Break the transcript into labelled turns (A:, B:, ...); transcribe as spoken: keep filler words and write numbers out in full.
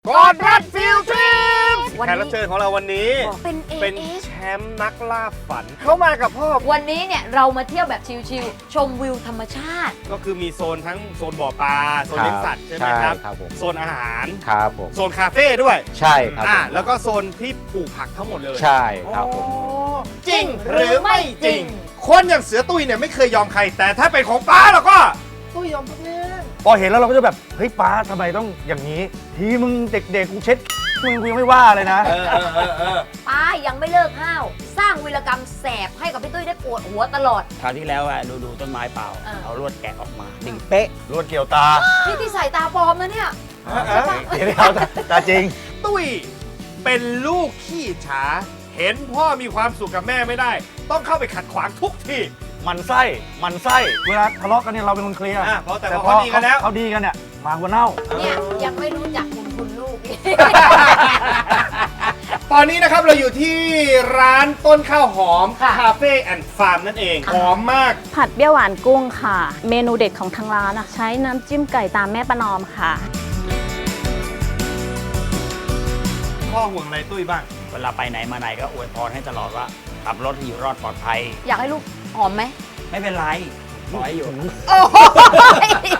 A: กอดรัดฟิลทริป
B: วัน
A: แข
B: นี้
A: กรับเชิญของเราวันนี้
B: เป็น
A: เป็น
B: เอ
A: แชมป์นักล่าฝัน เข้ามากับพ่อ
B: วันนี้เนี่ยเรามาเที่ยวแบบชิลๆชมวิวธรรมชาติ
A: ก็คือมีโซนทั้งโซนบ่อปลาโซนเลี้ยงสัตว์ใช่ไหมครับ
C: ครับผม
A: โซนอาหาร
C: ครับผม
A: โซนคาเฟ่ด้วย
C: ใช่ครับ
A: อ่า
C: ผม
A: แล้วก็โซนที่ปลูกผักทั้งหมดเลย
C: ใช่ครับผม
A: โอ้จริงหรือไม่จริง คนอย่างเสือตุ้ยเนี่ยไม่เคยยอมใคร แต่ถ้าเป็นของป้าแล้วก็ตุ้ยยอมทุกเรื่อง
D: พอเห็นแล้วเราก็จะแบบเฮ้ยป้าทำไมต้องอย่างนี้ ทีมึงเด็กๆกูเช็ดมึงกูยังไม่ว่าเลยนะ
A: เออเออเออเออ
B: ป้ายังไม่เลิกห้าว สร้างวีรกรรมแสบให้กับพี่ตุ้ยได้ปวดหัวตลอด
E: คราวที่แล้วอะดูดูต้นไม้เปล่า
B: อ่า
E: เอาลวดแกะออกมาดิ่งเป๊ะ
D: รวดเกี่ยวตา
B: นี่ที่ใส่ตาปลอมนะเนี่ย
A: เออ
D: เดี๋ยวเอาตาตาจริง
A: ตุ้ยเป็นลูกขี้ฉา เห็นพ่อมีความสุขกับแม่ไม่ได้ ต้องเข้าไปขัดขวางทุกที
D: มันไส้มันไส้เวลาทะเลาะกันเนี่ยเราเป็นคนเคลียร์
A: อ่ะเพราะแต่พอเขาดีกันแล้ว
D: เขาดีกันเนี่ยหมาหัวเน่า
B: เนี่ยยังไม่รู้จักคุณคุณลูกอีก
A: ตอนนี้นะครับเราอยู่ที่ร้านต้นข้าวหอม
B: ค่ะ
A: คาเฟ่แอนด์ฟาร์มนั่นเอง หอมมาก
F: ผัดเปรี้ยวหวานกุ้งค่ะ เมนูเด็ดของทางร้านอะใช้น้ำจิ้มไก่ตามแม่ประนอมค่ะ
A: พ่อห่วงอะไรตุ้ยบ้าง
E: เวลาไปไหนมาไหนก็อวยพรให้ตลอดว่าขับรถให้อยู่รอดปลอดภัย
B: อยากให้ลูกหอมไหม
E: ไม่เป็นไรขอให้อยู่
B: โอ้โห